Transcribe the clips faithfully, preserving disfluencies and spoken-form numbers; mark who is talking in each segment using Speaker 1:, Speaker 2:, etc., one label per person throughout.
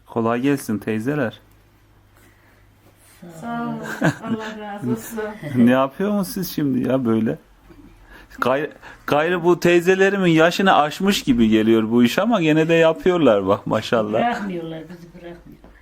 Speaker 1: Kolay gelsin teyzeler.
Speaker 2: Sağ olun. Allah razı olsun.
Speaker 1: Ne yapıyorsunuz siz şimdi ya böyle? Gayrı, gayrı bu teyzelerimin yaşını aşmış gibi geliyor bu iş ama gene de yapıyorlar bak maşallah.
Speaker 3: Bırakmıyorlar, bizi bırakmıyorlar.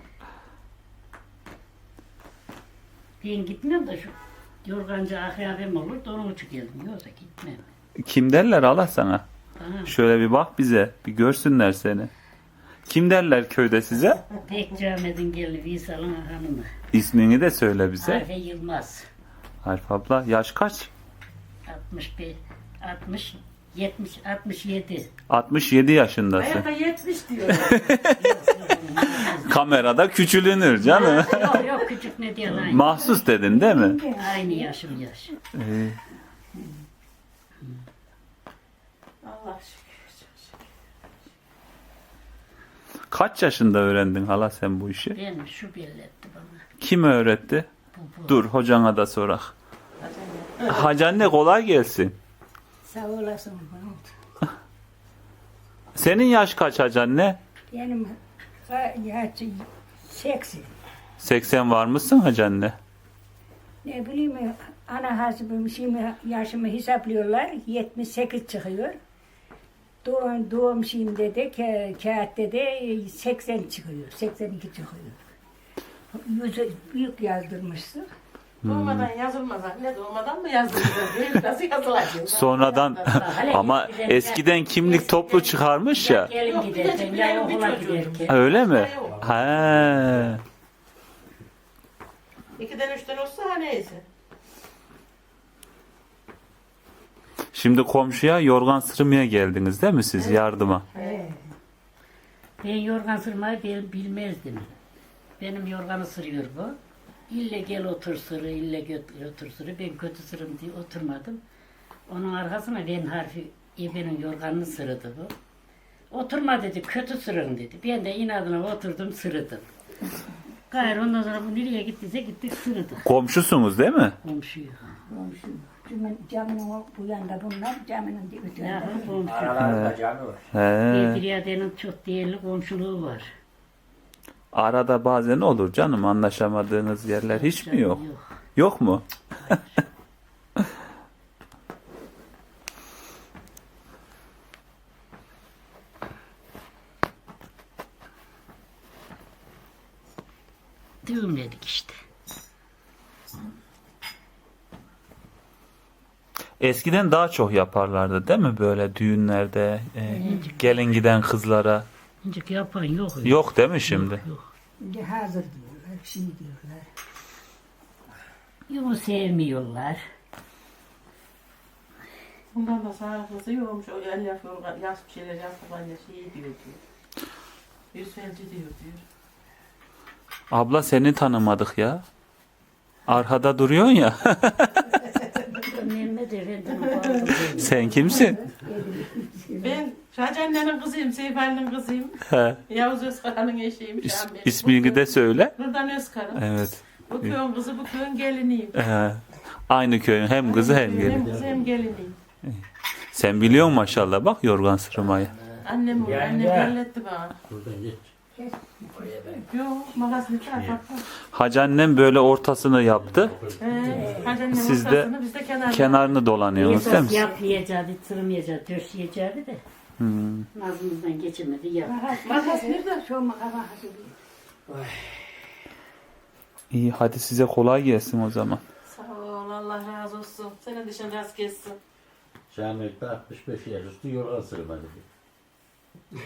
Speaker 3: Ben gitmiyorum da şu yorgancı akrabem olur da onun için geldim. Yoksa gitmem.
Speaker 1: Kim derler Allah sana?
Speaker 3: Bana
Speaker 1: Şöyle bir bak bize, bir görsünler seni. Kim derler köyde size?
Speaker 3: pek Ahmet'in geldi Visal'ın hanımı.
Speaker 1: İsmini de söyle bize.
Speaker 3: Arife Yılmaz.
Speaker 1: Arif abla yaş kaç?
Speaker 3: altmış bir, altmış, yetmiş, altmış yedi.
Speaker 1: altmış yedi yaşındasın.
Speaker 2: Ayakta yetmiş diyor.
Speaker 1: Kamerada küçülünür canım.
Speaker 3: Yok yok küçük ne diyor aynı.
Speaker 1: Mahsus dedin değil mi?
Speaker 3: Aynı yaşım yaş.
Speaker 1: Ee,
Speaker 2: Allah şükür. çok şükür.
Speaker 1: kaç yaşında öğrendin hala sen bu işi?
Speaker 3: Ben şu belli etti bana.
Speaker 1: Kim öğretti?
Speaker 3: Bu, bu.
Speaker 1: Dur hocana da sorak. Hacı anne kolay gelsin.
Speaker 4: Sağ olasın. Mahmut.
Speaker 1: Senin yaş kaç hacı anne?
Speaker 4: Benim ha- yaşı seksen.
Speaker 1: seksen var mısın hacı anne?
Speaker 4: Ne bileyim ana hasbim şimdi yaşımı hesaplıyorlar. yetmiş sekiz çıkıyor. Doğum, doğum şeyimde de ka- kağıtta de seksen çıkıyor. seksen iki çıkıyor. Yüzü büyük yazdırmışsın.
Speaker 2: Doğmadan yazılmaz anne. Doğmadan mı yazılmaz? Nasıl yazılacak?
Speaker 1: Sonradan ama eskiden kimlik toplu çıkarmış ya.
Speaker 3: Gelin giderken ya okula giderken.
Speaker 1: Öyle mi? He.
Speaker 2: İkiden üçten olsa ha neyse.
Speaker 1: Şimdi komşuya yorgan sırmaya geldiniz değil mi siz yardıma?
Speaker 3: Ben yorgan sırmayı bil- bilmezdim. Benim yorganı sırıyor bu. İlle gel otur sırı, ille göt- otur sırı. Ben kötü sırım diye oturmadım. Onun arkasına ben harfi ebenin yorganını sırıdı bu. Oturma dedi, kötü sırın dedi. Ben de inadına oturdum sırıdım. Gayrı ondan sonra bu nereye gittiyse gittik sırıdık.
Speaker 1: Komşusunuz değil mi?
Speaker 3: Komşuyu.
Speaker 4: Komşu. Camın, camının o- bu yanda bunlar, camının öte
Speaker 3: Ya
Speaker 4: yanda.
Speaker 3: komşu.
Speaker 5: Aralarında canı var.
Speaker 1: He.
Speaker 3: Bedriye'nin çok değerli komşuluğu var.
Speaker 1: Arada bazen olur canım anlaşamadığınız yerler hiç mi yok?
Speaker 3: Yok.
Speaker 1: Yok mu?
Speaker 3: Düğümledik işte.
Speaker 1: Eskiden daha çok yaparlardı değil mi böyle düğünlerde e, gelin giden kızlara?
Speaker 3: Hiç yapan yok. öyle.
Speaker 1: Yok değil mi şimdi?
Speaker 3: Yok.
Speaker 4: Şimdi hazır diyorlar, şey diyorlar.
Speaker 3: Yok sevmiyorlar.
Speaker 2: Bundan da sağlıklısı yokmuş. O el yapıyor, yaz bir şeyler yaptılar ya şey diyor diyor. Yüz felci diyor diyor.
Speaker 1: Abla seni tanımadık ya. Arkada duruyorsun ya.
Speaker 3: Mehmet Efendi'nin bağlı.
Speaker 1: Sen kimsin?
Speaker 2: Ben Şahçı annenin kızıyım, Seyf Ali'nin kızıyım.
Speaker 1: He.
Speaker 2: Yavuz Özkara'nın eşiyim.
Speaker 1: İs,
Speaker 2: Şahan Bey.
Speaker 1: ismini de söyle.
Speaker 2: Nurdan Özkara.
Speaker 1: Evet.
Speaker 2: Bu köyün kızı, bu köyün geliniyim.
Speaker 1: He. Aynı köyün hem kızı hem
Speaker 2: Hem
Speaker 1: gelin.
Speaker 2: kızı hem geliniyim.
Speaker 1: Sen biliyorsun maşallah bak yorgan sırmayı.
Speaker 2: Annem bu,
Speaker 5: Yani
Speaker 2: annem
Speaker 5: ya.
Speaker 2: belletti bana.
Speaker 5: Buradan geç.
Speaker 2: Yok, makasını çağır bak. bak.
Speaker 1: Hacı annem böyle ortasını yaptı.
Speaker 2: He, hadi annem
Speaker 1: Siz de
Speaker 2: ortasını, biz de kenarda.
Speaker 1: Kenarını dolanıyorsunuz değil
Speaker 3: Esas
Speaker 1: mi?
Speaker 3: yapmayacağı, tırmayacağı, döşeyeceği de.
Speaker 1: Hmm.
Speaker 3: Nazımızdan geçemedi yap.
Speaker 4: Makas nerede? Şu makas.
Speaker 1: İyi hadi size kolay gelsin o zaman.
Speaker 2: Sağ ol, Allah razı olsun. Senin dışın rast kessin.
Speaker 5: Şahmet'te altmış beş yaş üstü yorgan sırmadı.